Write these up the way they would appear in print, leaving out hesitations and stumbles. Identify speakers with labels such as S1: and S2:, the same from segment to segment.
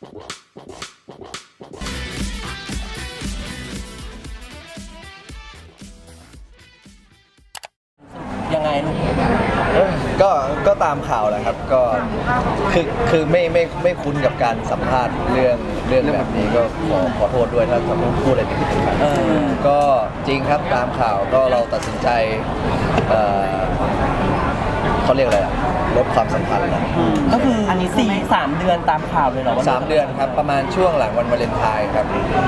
S1: ยังไงลูก
S2: ก็ตามข่าวแหละครับก็คือไม่คุ้นกับการสัมภาษณ์เรื่องแบบนี้ก็ขอโทษด้วยถ้าพูดอะไรผิดไปก็จริงครับตามข่าวก็เราตัดสินใจเขาเรียกอะไรอะลดความสัมพันธ์แล้ว
S1: ก็คืออันนี้3 เดือนตามข่าวเลยเหรอว่า
S2: 3 เดือนครับประมาณช่วงหลังวันวาเลนไทน์ครับ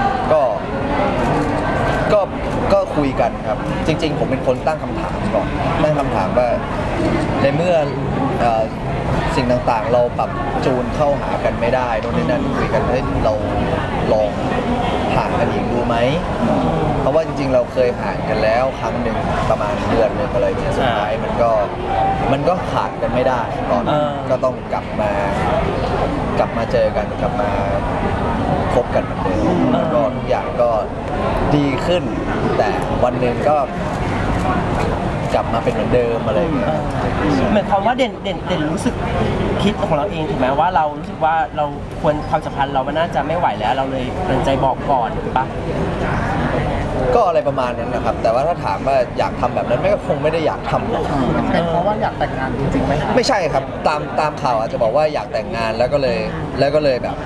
S2: ก็คุยกันครับจริงๆผมเป็นคนตั้งคำถามก่อนตั้งคำถามว่าในเมื่อสิ่งต่างๆเราปรับจูนเข้าหากันไม่ได้โน่นนี่นั่นคุยกันให้เราลองห่างกันอีกดูไหมเพราะว่าจริงๆเราเคยห่างกันแล้วครั้งหนึ่งประมาณเดือนหนึ่งอะไรเงี้ยสุดท้ายมันก็ขาดกันไม่ได้ตอนก็ต้องกลับมาเจอกันกลับมาคบกันเหมือนเดิมแล้วก็ทุกอย่างก็ดีขึ้นแต่วันหนึ่งก็กลับมาเป็นเหมือนเดิมอะไรอย่างเงี้ย
S1: เหมือนความว่าเด่นรู้สึกคิดของเราเองถูกไหมว่าเรารู้สึกว่าเราควรความสัมพันธ์เรามันน่าจะไม่ไหวแล้วเราเลยตัดใจบอกก่อนถูกปะ
S2: ก็อะไรประมาณนั้นนะครับแต่ว่าถ้าถามว่าอยากทำแบบนั้นคงไม่ได้อยากทำหรอก
S3: เป็นเพราะว่าอยากแต่งงานจริงๆไหม
S2: ไม่ใช่ครับตามข่าวอาจจะบอกว่าอยากแต่งงานแล้วก็เลยแบบ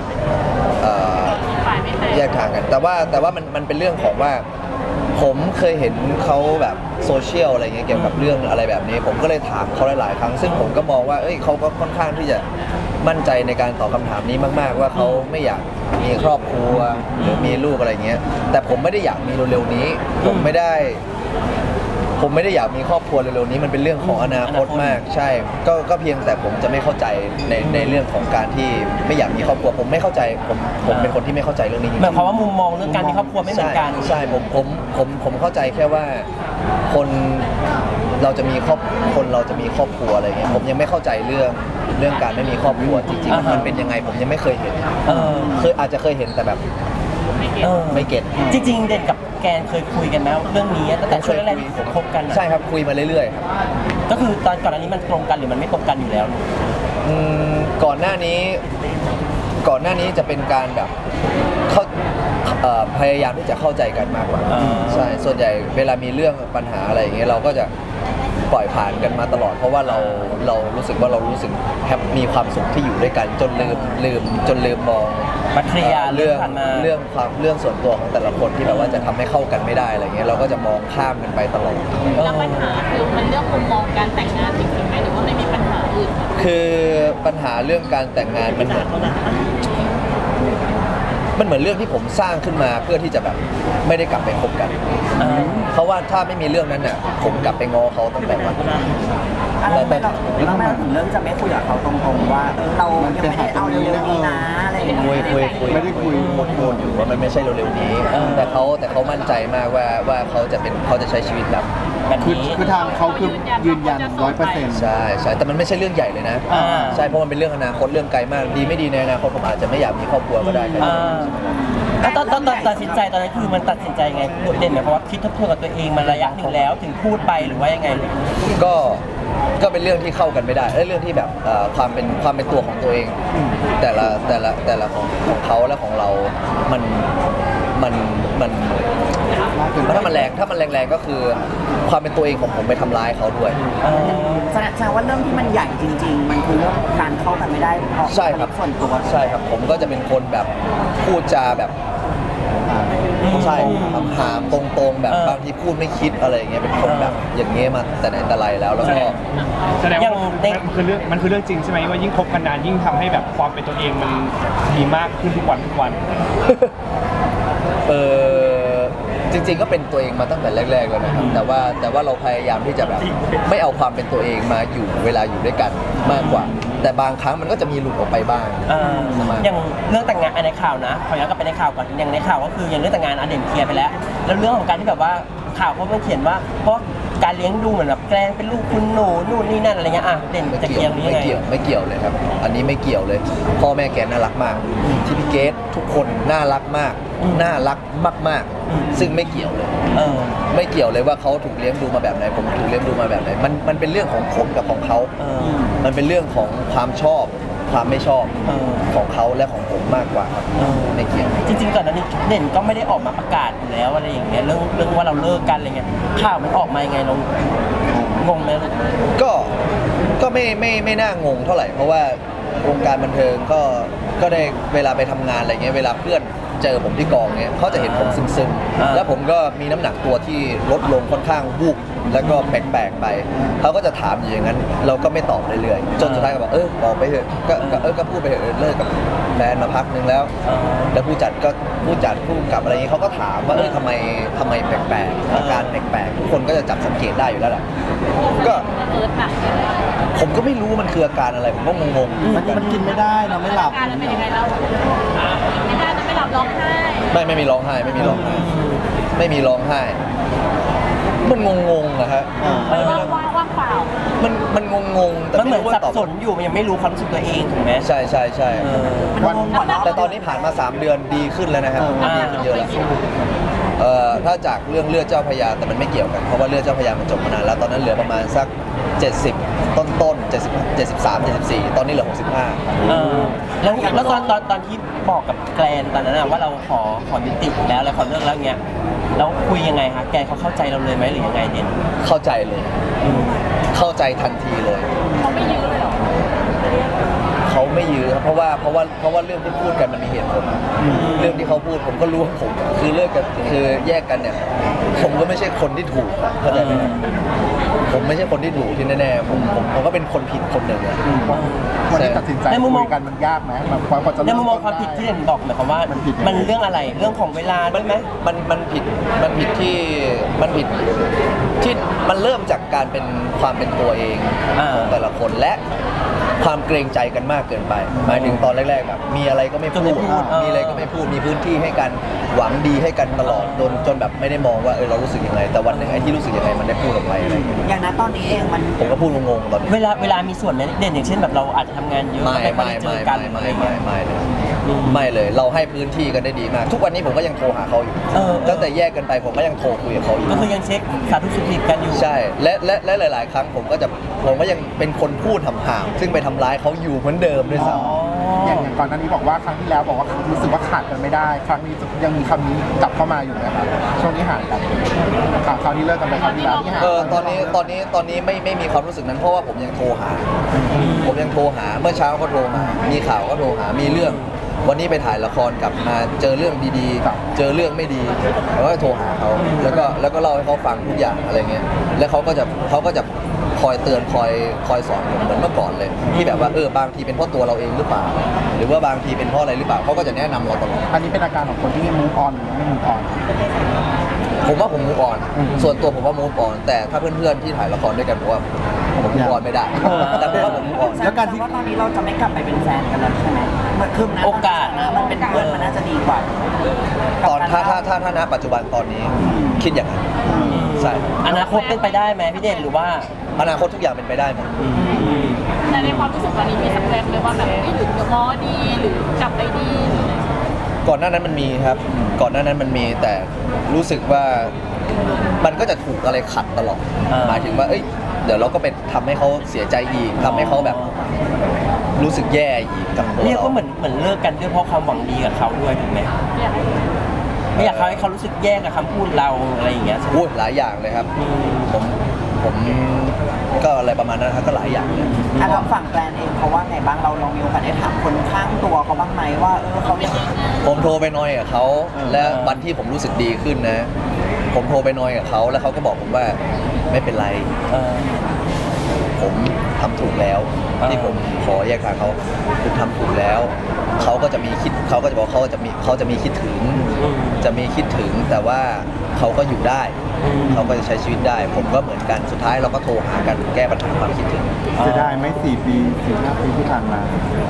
S2: แยกทางกันแต่ว่ามันเป็นเรื่องของว่าผมเคยเห็นเขาแบบโซเชียลอะไรเงี้ยเกี่ยวกับเรื่องอะไรแบบนี้ผมก็เลยถามเขาหลายๆครั้งซึ่งผมก็มองว่าเขาก็ค่อนข้างที่จะมั่นใจในการตอบคำถามนี้มากๆว่าเขาไม่อยากมีครอบครัวหรือมีลูกอะไรเงี้ยแต่ผมไม่ได้อยากมีเร็วๆนี้ผมไม่ได้อยากมีครอบครัวเร็วๆนี้มันเป็นเรื่องของอนาคตมากใช่ก็เพียงแต่ผมจะไม่เข้าใจในเรื่องของการที่ไม่อยากมีครอบครัวผมไม่เข้าใจผมเป็นคนที่ไม่เข้าใจเรื่องนี้จริงๆ
S1: หมายความว่ามุมมองเรื่องการมีครอบครัวไม่เหมือนกัน
S2: ใช่ผมเข้าใจแค่ว่าคนเราจะมีครอบครัวอะไรเงี้ยผมยังไม่เข้าใจเรื่องการไม่มีครอบครัวจริงๆมันเป็นยังไงผมยังไม่เคยเห็นอาจจะเคยเห็นแต่แบบไม่เก็ต
S1: จริงๆเด่นกับแกนเคยคุยกันไหมเรื่องนี้ตั้งแต่ช่วงแรกที่คบกัน
S2: ใช่ครับคุยมาเรื่อยๆครับ
S1: ก็คือตอนก่อนอันนี้มันตรงกันหรือมันไม่ตรงกันอยู่แล้ว
S2: ก่อนหน้านี้จะเป็นการแบบพยายามที่จะเข้าใจกันมากกว่าใช่ส่วนใหญ่เวลามีเรื่องปัญหาอะไรอย่างเงี้ยเราก็จะปล่อยผ่านกันมาตลอดเพราะว่าเรารู้สึกว่าเรารู้สึกมีความสุขที่อยู่ด้วยกันจนลืมมองเรื่องส่วนตัวของแต่ละคนที่แบบว่าจะทำให้เข้ากันไม่ได้อะไรเงี้ยเราก็จะมองข้ามกันไปตลอด
S4: แล้วปัญหาคือมันเรื่องมุมมองการแต่งงานจริงๆไหมหรือว่าไม่มีปัญหาอื่น
S2: คือปัญหาเรื่องการแต่งงานมันเหมือนเรื่องที่ผมสร้างขึ้นมาเพื่อที่จะแบบไม่ได้กลับไปคบกันเพราะว่าถ้าไม่มีเรื่องนั้นน่ะผมกลับไปง้อเขาตั้งแต่วัน
S3: แล้วแม่ถึงเรื่องจะไม่คุยกับเขาตรงๆว่าเรายังไม่ได้เอาเร็วๆนี้นะอะไรอย่างเงี้ย
S2: ไม่ได้คุยโมดอยู่ว่ามันไม่ใช่เร็วๆนี้แต่เขามั่นใจมากว่าเขาจะใช้ชีวิตแบบ
S3: นี้คือทางเขาคือยืนยัน 100%
S2: ใช่แต่มันไม่ใช่เรื่องใหญ่เลยนะใช่เพราะมันเป็นเรื่องอนาคตเรื่องไกลมากดีไม่ดีในอนาคตผมอาจจะไม่อยากมีครอบครัวก็ได้
S1: แล้วตอนตัดสินใจตอนนั้นคือมันตัดสินใจไงเด่นหมายความว่าคิดทบทวนกับตัวเองมาระยะหนึ่งแล้วถึงพูดไปหรือว่ายังไง
S2: ก็เป็นเรื่องที่เข้ากันไม่ได้เรื่องที่แบบความเป็นตัวของตัวเองแต่ละของเขาและของเราถ้ามันแรงก็คือความเป็นตัวเองของผมไปทำร้ายเขาด้วย
S3: แสดงว่าเรื่องที่มันใหญ่จริงๆมันคือเรื่องการเข้ากันไม่ได้เพราะ
S2: ใช่ครับ
S3: ส่วนตัว
S2: ใช่ครับผมก็จะเป็นคนแบบพูดจาแบบใช่ถามตรงๆแบบบางทีพูดไม่คิดอะไรอย่างเงี้ยเป็นคนแบบอย่างเงี้ยมาแต่ไหนแต่ไรแล้วก็
S5: แสดงว่ามันคือเรื่องจริงใช่ไหมว่ายิ่งคบกันนานยิ่งทำให้แบบความเป็นตัวเองมันมีมากขึ้นทุกวัน
S2: จริงๆก็เป็นตัวเองมาตั้งแต่แรกๆแล้วนะครับแต่ว่าเราพยายามที่จะแบบไม่เอาความเป็นตัวเองมาอยู่เวลาอยู่ด้วยกันมากกว่าแต่บางครั้งมันก็จะมีหลุดออกไปบ้าง
S1: อย่างเรื่องแต่งงานในข่าวนะขอย้อนกลับไปในข่าวก่อนอย่างในข่าวก็คืออย่างเรื่องแต่งงานเด่นเคลียร์ไปแล้วเรื่องของการที่แบบว่าข่าวเขาเขียนว่าเพราะการเลี้ยงดูเหมือนแบบแกล้งเป็นลูกคุณหนูนู่นนี่นั่นอะไรเงี้ยเด่นจะเกี่ยวนี้ยังไง
S2: ไม่เกี่ยวเลยครับอันนี้ไม่เกี่ยวเลยพ่อแม่แกน่ารักมากที่พี่เกดทุกคนน่ารักมากซึ่งไม่เกี่ยวเลยไม่เกี่ยวเลยว่าเขาถูกเลี้ยงดูมาแบบไหนผมถูกเลี้ยงดูมาแบบไหนมันเป็นเรื่องของผมกับของเขามันเป็นเรื่องของความชอบความไม่ชอบของเขาและของผมมากกว่าครับไม่เกี่ยว
S1: จริงๆก่อนหน้านี้เด่นก็ไม่ได้ออกมาประกาศอยู่แล้วอะไรอย่างเงี้ยเรื่องว่าเราเลิกกันอะไรเงี้ยข่าวมันออกมายังไงเรางงไหมลูก
S2: ก็ไม่น่างงเท่าไหร่เพราะว่าวงการบันเทิงก็ได้เวลาไปทำงานอะไรเงี้ยเวลาเพื่อนเจอผมที่กองเงี้ยเขาจะเห็นผมซึมๆแล้วผมก็มีน้ำหนักตัวที่ลดลงค่อนข้างวูบแล้วก็แปลกๆไปเขาก็จะถามอยู่อย่างนั้นเราก็ไม่ตอบเรื่อยๆจนสุดท้ายก็บอกบอกไปเถอะก็พูดไปเถอะเลิกกับแฟนมาพักนึงแล้วแล้วผู้จัดผู้กำกับอะไรเงี้ยเขาก็ถามว่าทำไมแปลกๆอาการแปลกๆทุกคนก็จะจับสังเกตได้อยู่แล้วแหละก็ผมก็ไม่รู้มันคืออาการอะไรผมก็งงๆ
S6: มันกินไม่ได้เราไม่หลับ
S4: อาการมันเป็นยังไงเราไม่ได้จะไม่หลับร้องไห้
S2: ไม่มีร้องไห้ไม่มีร้องไห้มันงงๆนะฮะ
S4: ว่างเปล่า
S2: มันงงๆแต่
S1: มันเหมื
S2: ไม่
S1: อน
S2: รู้
S1: สั
S2: ว่า
S1: บ
S2: ตอบ
S1: สนอยู่มันยังไม่รู้ความรู้สึกตัวเองถูกไหม
S2: ใช่
S3: มันงงก่อนเนาะ
S2: แต่ตอนนี้ผ่านมา3 เดือนดีขึ้นแล้วนะครับดีขึ้นเยอะแล้วถ้าจากเรื่องเลือดเจ้าพระยาแต่มันไม่เกี่ยวกันเพราะว่าเลือดเจ้าพระยามันจบมานานแล้วตอนนั้นเหลือประมาณสัก70ต้น73 74ตอนนี้เหลือ65
S1: แล้วตอนที่บอกกับแกรนตอนนั้นว่าเราขอยุติแล้วแล้วขอเลิกแล้วเงี้ยแล้วคุยยังไงคะแกเขาเข้าใจเราเลยไหมหรือยังไงเด่น
S2: เข้าใจเลยเข้าใจทันทีเลย
S4: เขาไม่ยื้อเลยเหรอ
S2: เขาไม่ยื้อครับเพราะว่าเรื่องที่พูดกันมันมีเหตุผลเรื่องที่เขาพูดผมก็รู้ว่าผมคือเลิกกันคือแยกกันเนี่ยผมก็ไม่ใช่คนที่ถูกเข้าใจไหมครับผมไม่ใช่คนที่ถูกที่แน่ๆผมก็เป็นคนผิดคนหนึ่งอะ
S6: วันที่ตัดสินใจคุยกันมันยากไหมแบบกว่าจะ
S1: ในมุมมองความผิดที่เด่นบอกหมายความว่ามันเรื่องอะไรเรื่องของเวลาด้วยไหม
S2: มันผิดที่มันเริ่มจากการเป็นความเป็นตัวเองของแต่ละคนและความเกรงใจกันมากเกินไปหมายถึงตอนแรกๆแบบมีอะไรก็ไม่พูดมีอะไรก็ไม่พูดมีพื้นที่ให้กันหวังดีให้กันตลอดจนแบบไม่ได้มองว่าเรารู้สึกยังไงแต่วันหนึ่งไอ้ที่รู้สึกยังไงมันได้พูดออกไปอะไรอย่างเงี้ย
S3: อย่างนั้นตอนนี้เองมัน
S2: ผมก็พูดงงๆตอนนี้
S1: เวลามีส่วนไหมเด่นอย่างเช่นแบบเราอาจจะทำงานเยอะ
S2: ไม่
S1: ค่อยได้เจอกันอะไรเงี้ย
S2: ไม่เลยเราให้พื้นที่กันได้ดีมาก ทุกวันนี้ผมก็ยังโทรหาเขาอยู่ตั้งแต่แยกกันไปผมก็ยังโทรคุยกับเขาอยู่
S1: ก็คือยังเช็คสาธุสุขดิบกันอยู่
S2: ใช่และหลาย ๆ ครั้งผมก็ยังเป็นคนพูดห่างๆซึ่งไปทำร้ายเขาอยู่เหมือนเดิมด้วยซ้ำ
S6: อย่างก่อนหน้านี้บอกว่าครั้งที่แล้วบอกว่ารู้สึกว่าขาดกันไม่ได้ ครั้งนี้ยังมีคำนี้กลับเข้ามาอยู่นะครับช่วงนี้ห่างกันคราวนี้เลิกกันไปคราวที่แล้วที่ห่าง
S2: ตอนนี้ไม่มีความรู้สึกนั้นเพราะว่าผมยังโทรหาเมื่อเช้าก็โทรหามีข่าวก็โทรหามีเรื่องวันนี้ไปถ่ายละครกลับมาเจอเรื่องดีๆเจอเรื่องไม่ดีแล้วก็โทรหาเขาแล้วก็เล่าให้เขาฟังทุกอย่างอะไรเงี้ยแล้วเขาก็จะคอยเตือนคอยสอนผมเหมือนเมื่อก่อนเลยที่แบบว่าบางทีเป็นเพราะตัวเราเองหรือเปล่าหรือว่าบางทีเป็นเพราะอะไรหรือเปล่าเขาก็จะแนะนำเราตลอด
S6: อันนี้เป็นอาการของคนที่มูฟออนหรือไม่มูฟออน
S2: ผมว่าผมมูฟออนส่วนตัวผมว่ามูฟออนแต่ถ้าเพื่อนๆที่ถ่ายละครด้วยกันผมว่าผมมูฟออนไม่ได้แต่ผมว่าผมมูฟออน
S3: แล้วการที่ว่าตอนนี้เราจะไม่กลับไปเป็นแฟนกันแล้วใช่ไหมเหมือนคือนะ
S1: โอกาส
S3: นะมันเป็นเพื่อนมันน่าจะดีกว่า
S2: ตอนถ้าณปัจจุบันตอนนี้คิดอย่างนั้นใช่
S1: อนาคตเป็นไปได้ไหมพี่เด่นหรือว่า
S2: อนาคตทุกอย่างเป็นไปได้หมด
S4: แต่ในความรู้สึกตอนนี้มีสักแวบเลยว่าแบบหรือง้อดีหรือกลับไปดีหรืออะไร
S2: ก่อนหน้านั้นมันมีครับก่อนหน้านั้นมันมีแต่รู้สึกว่ามันก็จะถูกอะไรขัดตลอดหมายถึงว่าเดี๋ยวเราก็ไปทำให้เขาเสียใจอีกทำให้เขาแบบรู้สึกแย่อีกกับตัว
S1: เรียก
S2: เรา
S1: ว่าเหมือนเลิกกันด้วยเพราะความหวังดีกับเขาด้วยถูกไหม
S4: อยากให้
S1: ไม่อยากให้เขารู้สึกแย่กับคำพูดเราอะไรอย่างเงี้ย
S2: พูดหลายอย่างเลยครับผมก็อะไรประมาณนั้นครับก็หลายอย่างเลย
S3: ทางฝั่งแกรนเองเขาว่าไงบ้างเราลองมีโอกาสได้ถามคนข้างตัวเขาบ้างไหมว่าเขายัง
S2: ผมโทรไปนอยกับเขาและวันที่ผมรู้สึกดีขึ้นนะ ผมโทรไปนอยกับเขาแล้วเขาก็บอกผมว่าไม่เป็นไรผมทำถูกแล้วที่ผมขอแยกทางเขาผมทำถูกแล้วเขาก็จะบอกเขาจะมีคิดถึงแต่ว่าเขาก็อยู่ได้เขาก็จะใช้ชีวิตได้ ผมก็เหมือนกันสุดท้ายเราก็โทรหากันแก้ปัญหาความคิดถึง
S6: จะได้ไหม4 ปี 4-5 ปีที่ผ่านมา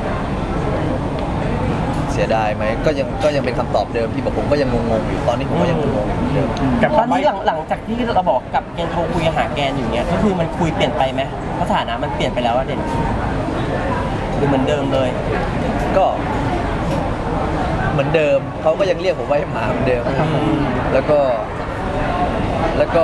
S2: เสียดายไหมก็ยังเป็นคำตอบเดิมที่ผมก็ยังงงๆอยู่ตอนนี้ผมก็ยังงงๆอยู่เดิม
S1: ตอนนี้หลังจากที่เราบอกกับแกนโทรคุยหาแกนอยู่เนี้ยก็คือมันคุยเปลี่ยนไปไหมสถานะมันเปลี่ยนไปแล้วอะเด่นหรือเหมือนเดิมเลย
S2: ก็เหมือนเดิมเขาก็ยังเรียกผมว่าให้หมาเหมือนเดิมแล้วก็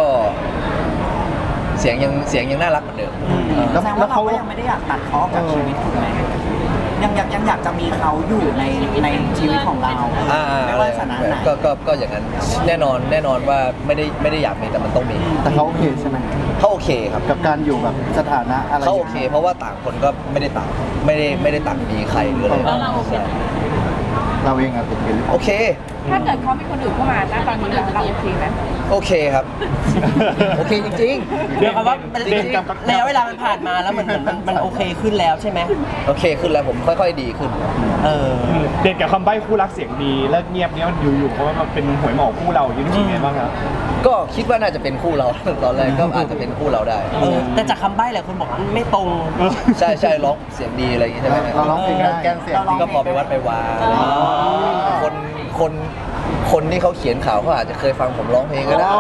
S2: เสียงยังน่ารักเหมือนเดิม
S3: แสดงว่าเราก็ยังไม่ได้อยากตัดเขาออกจากชีวิตถูกไหมในยังอยากจะมีเขาอยู่ในชีวิตของเรา ไม่ว่าสถานะไหน
S2: ก็อย่างนั้นแน่นอนว่าไม่ได้อยากมีแต่มันต้องมี
S6: แต่เขาโอเคใช่ไหม
S2: เขาโอเคครับ
S6: กับการอยู่แบบสถานะอะไร
S2: เขาโอเค เพราะว่าต่างคนก็ไม่ได้ต่างมีใครหรืออะไร
S4: แล้วเราโอเค
S6: เราเองอะเป็น
S2: โอเค
S4: ถ้าเกิดเขามีคนอื่นเข้ามาณตอนนี้เราโอเคไหม
S2: โอเคครับ โอเคจริง
S1: เดี๋ยวคำว่าระยะเวลามันผ่านมาแล้วเหมือนมันโอเคขึ้นแล้วใช่ไหม
S2: ๆ โอเคขึ้นแล้วผมค่อยๆดีขึ้น
S1: เออ
S5: เด่นกับคำใบ้คู่รักเสียงดีเลิกเงียบเนี้ยมันอยู่ๆเพราะว่ามันเป็นหวยหมอกคู่เราอยู่รู้สึกไงบ้างครับ
S2: ก็คิดว่าน่าจะเป็นคู่เรา ตอนแรกก็อาจจะเป็นคู่เราได้
S1: แต่จากคำใบ้หลายคนบอกมันไม่ตรง
S2: ใช่ร้องเสียงดีอะไรอย่างงี้ใช่ไหม
S6: เราร้องเพลงได้แกนเสียง
S2: ก็พอไปวัดไปวาอะไรอย่างงี้คนที่เขาเขียนข่าวเขาอาจจะเคยฟังผมร้องเพลงก็ได้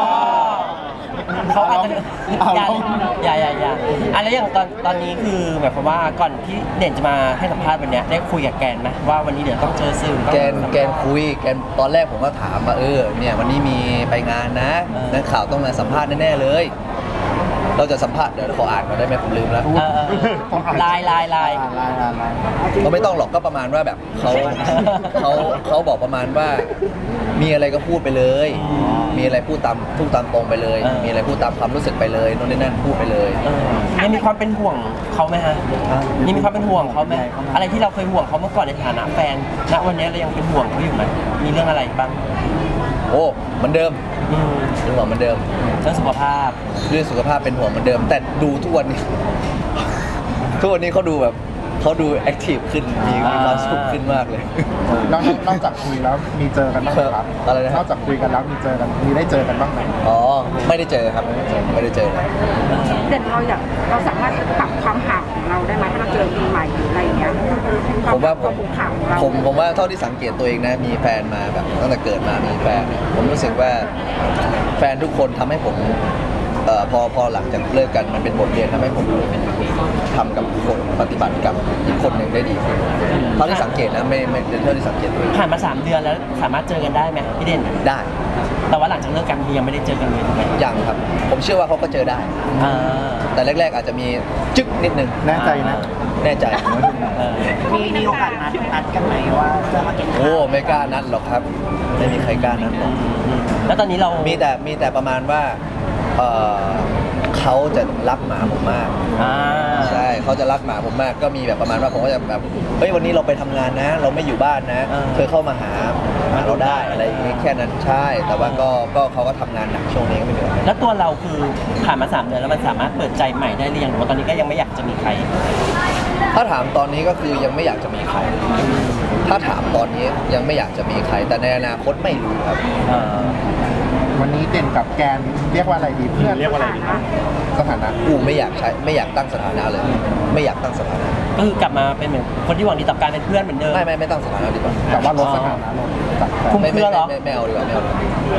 S1: เขาอาจจะอย่าอะไรอย่างตอนนี้คือหมายความว่าก่อนที่เด่นจะมาให้สัมภาษณ์วันเนี้ยได้คุยกับแกนไหมว่าวันนี้เดี๋ยวต้องเจอสื่อต้อง
S2: แกนคุยตอนแรกผมก็ถามว่าเนี่ยวันนี้มีไปงานนะนักข่าวต้องมาสัมภาษณ์แน่ๆเลย เราจะสัมภาษณ์เดี๋ยวขออ่านก่อนได้ไหมผมลืมแล้ว
S1: ลาย
S2: เขาไม่ต้องหรอกก็ประมาณว่าแบบเขาบอกประมาณว่ามีอะไรก็พูดไปเลย มีอะไรพูดตามตรงไปเลย มีอะไรพูดตามความรู้สึกไปเลยโน่นนี่นั่นพูดไปเลย
S1: ยังมีความเป็นห่วงเขาไหมฮะยังมีความเป็นห่วงเขาไหมอะไรที่เราเคยห่วงเขาเมื่อก่อนในฐานะแฟนณวันนี้เรายังเป็นห่วงเขาอยู่ไหมมีเรื่องอะไรบ้าง
S2: โอ้เหมือนเดิมเป็นห่วงเหมือนเดิม
S1: เรื่องสุขภาพ
S2: เรื่องสุขภาพเป็นห่วงเหมือนเดิม แต่ดูทุกวันนี้ ทุกวันนี้เขาดูแอคทีฟขึ้นมีความสุขขึ้นมากเลย
S6: นอกจากคุยแล้วมีเจอกันบ้างไหมครับ
S2: อะไรนะ
S6: นอกจากคุยกันแล้วมีได้เจอกันบ้างไหม
S2: อ๋อไม่ได้เจอครับไม่ได้เจอเลย
S7: เด่นเราสามารถปรับความห่างของเราได้ไหมถ้าเราเจอปีใหม่หรืออะไรอย่างเงี้ย
S2: ผมว่า
S7: ความผูกพันของเรา
S2: ผมว่าเท่าที่สังเกตตัวเองนะมีแฟนมาแบบตั้งแต่เกิดมามีแฟนผมรู้สึกว่าแฟนทุกคนทำให้ผมพอหลังจากเลิกกันมันเป็นบทเรียนทำให้ผมทำกับคนปฏิบัติกับอีกคนหนึ่งได้ดีขึ้นเท่าที่สังเกตนะไม่เท่าที่สังเกตตัวเอง
S1: ผ่านมา3 เดือนแล้วสามารถเจอกันได้ไหมพี่เด่น
S2: ได้
S1: แต่ว่าหลังจากเลิกกันยังไม่ได้เจอกันเลยถูกไหม
S2: ยังครับ ผมเชื่อว่าเขาก็เจอได้
S1: อ่า
S2: แต่แรกๆอาจจะมีจึ๊กนิดนึง
S6: แน่ใจนะ
S2: แน่ใจ
S1: เออ
S3: มีโอกาสนัดกันไหมว่าจะมากินข้าว
S2: โอ้ไม่กล้านัดหรอกครับ ไม่มีใครกล้านัดหรอก
S1: แล้วตอนนี้เรา
S2: มีแต่ประมาณว่าเขาจะรักหมาผมมาก
S1: อ่า
S2: ใช่เขาจะรักหมาผมมากก็มีแบบประมาณว่าผมก็จะแบบเฮ้ยวันนี้เราไปทำงานนะ เราไม่อยู่บ้านนะเธอเข้ามาหาเราได้อะไรอย่างงี้แค่นั้นใช่ แต่ว่าก็เขาก็ทำงานหนักช่วงนี้ก็ไม่เหนื่อย
S1: แล้วตัวเราคือผ่านมา3 เดือนแล้วมันสามารถเปิดใจใหม่ได้หรือยังหรือว่าตอนนี้ก็ยังไม่อยากจะมีใคร
S2: ถ้าถามตอนนี้ก็คือยังไม่อยากจะมีใคร ถ้าถามตอนนี้ยังไม่อยากจะมีใคร แต่ในอนาคตไม่รู้ครับ
S6: วันนี้เด่นกับแกนเรียกว่าอะไรดีเพื่อน
S5: เรียกว่าอะไรดีครับ
S6: สถานะ
S2: กูไม่อยากตั้งสถานะเลย ไม่อยากตั้งสถานะ
S1: ก็คือกลับมาเป็นเหมือนคนที่หวังดีต่อการเป็นเพื่อนเหมือนเดิม
S2: ไม่ตั้งสถานะดีกว่า
S6: แต่ว่าลดสถานะลงจากแฟน
S1: คุ้มเครือเหรอ
S2: ไม่เอาดีกว่าไม่เอา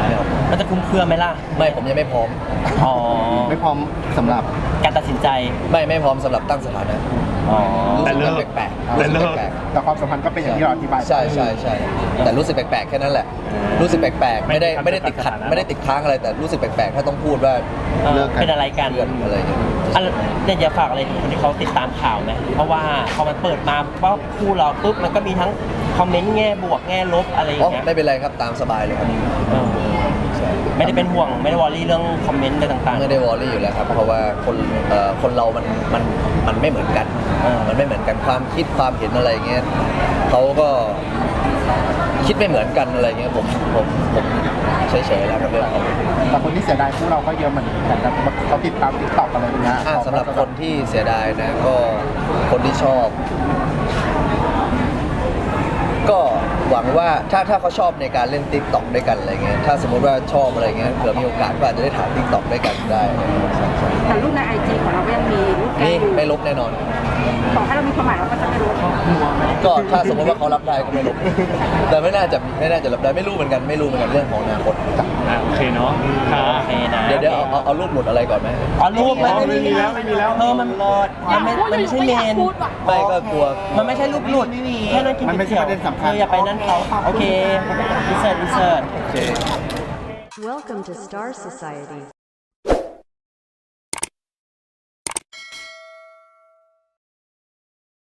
S1: มันจะคุ้มเครือไหมล่ะ
S2: ไม่ผมยังไม่พร้อม
S1: อ๋อ
S6: ไม่พร้อมสำหรับ
S1: การตัดสินใจ
S2: ไม่พร้อมสำหรับตั้งสถานะ
S1: อ๋อ
S2: รู้
S5: แต่
S2: สึก
S5: เลิก
S2: แปลกๆ
S5: แต่
S2: รู้สึ
S5: เลิ
S2: ก
S5: ก
S2: แปลก
S6: แต่ความสัมพันธ์ก็เป็นอย่างที่เราอธิบาย
S2: ๆใช่แต่รู้สึกแปลกๆแค่นั้นแหละ รู้สึกแปลกๆไม่ได้ติดขัดไม่ได้ติดค้างอะไรแต่รู้สึกแปลกๆถ้าต้องพูดว่า
S1: เป็นอะไรกัน
S2: เพื่อนอะไรอย่างเงี้ย
S1: เนี่ยอยากฝากอะไรถึงคนที่เขาติดตามข่าวไหมเพราะว่าพอมันเปิดมาว่าคู่เราปุ๊บมันก็มีทั้งคอมเมนต์แง่บวกแง่ลบอะไรอย่า
S2: อ๋อง
S1: เงี้ย
S2: ไม่เป็นไรครับตามสบายเลยครับ
S1: เออไม่ได้เป็นห่วงไม่ได้วอรี่เรื่องคอมเมนต์อะไรต่างๆ
S2: ไม่ได้วอรี่อยู่แล้วครับ เพราะว่าคนเรามันไม่เหมือนกัน มันไม่เหมือนกันความคิดความเห็นอะไรเงี้ยเขาก็คิดไม่เหมือนกันอะไรเงี้ยผมเฉยๆแล้วกับเรื่องเขา
S6: แต่คนที่เสียดายคู่เราก็เยอะเหมือนกันเขาติดตามติ๊กต็อกอะไรอย่างเงี้ย
S2: สำหรับคนที่เสียดายนะก็คนที่ชอบ ก็หวังว่าถ้าเขาชอบในการเล่นติ๊กต็อกด้วยกันอะไรเงี้ยถ้าสมมติว่าชอบอะไรเงี้ยเผื่อมีโอกาสก็อาจจะได้ถ่ายติ๊กต็อกด้วยกันได้
S7: แต่รูปในไอจีของเราก็ยังมีรูปแก
S2: นี่
S7: อยู่
S2: ไม่ลบแน่นอน
S7: ต่อให้เรามีความหมายเราก็จะไม่รู้
S2: ก็ถ้าสมมติว่าเขารับได้ก็ไม่ลบแต่ไม่น่าจะรับได้ไม่รู้เหมือนกันเรื่องของอนาคต
S5: โอเคเนาะค่ะ
S1: โอเคนะ
S2: เดี๋ยวเอารูปหลุดอะไรก่อนไหม
S1: อ๋อรูปมัน
S5: ไม่มีแล้วไม่มีแล้ว
S1: เออมันไม่ใช่เมน
S2: ไม่ก็กลัว
S1: มันไม่ใช่รูปหลุดแค่นั้นกิน
S6: มันไม่ใช่ประเด็นสำคัญ
S1: อย่าไปนั่นเขาโอเคอินเสิร์ต
S2: โอเค
S8: Welcome to Star Society.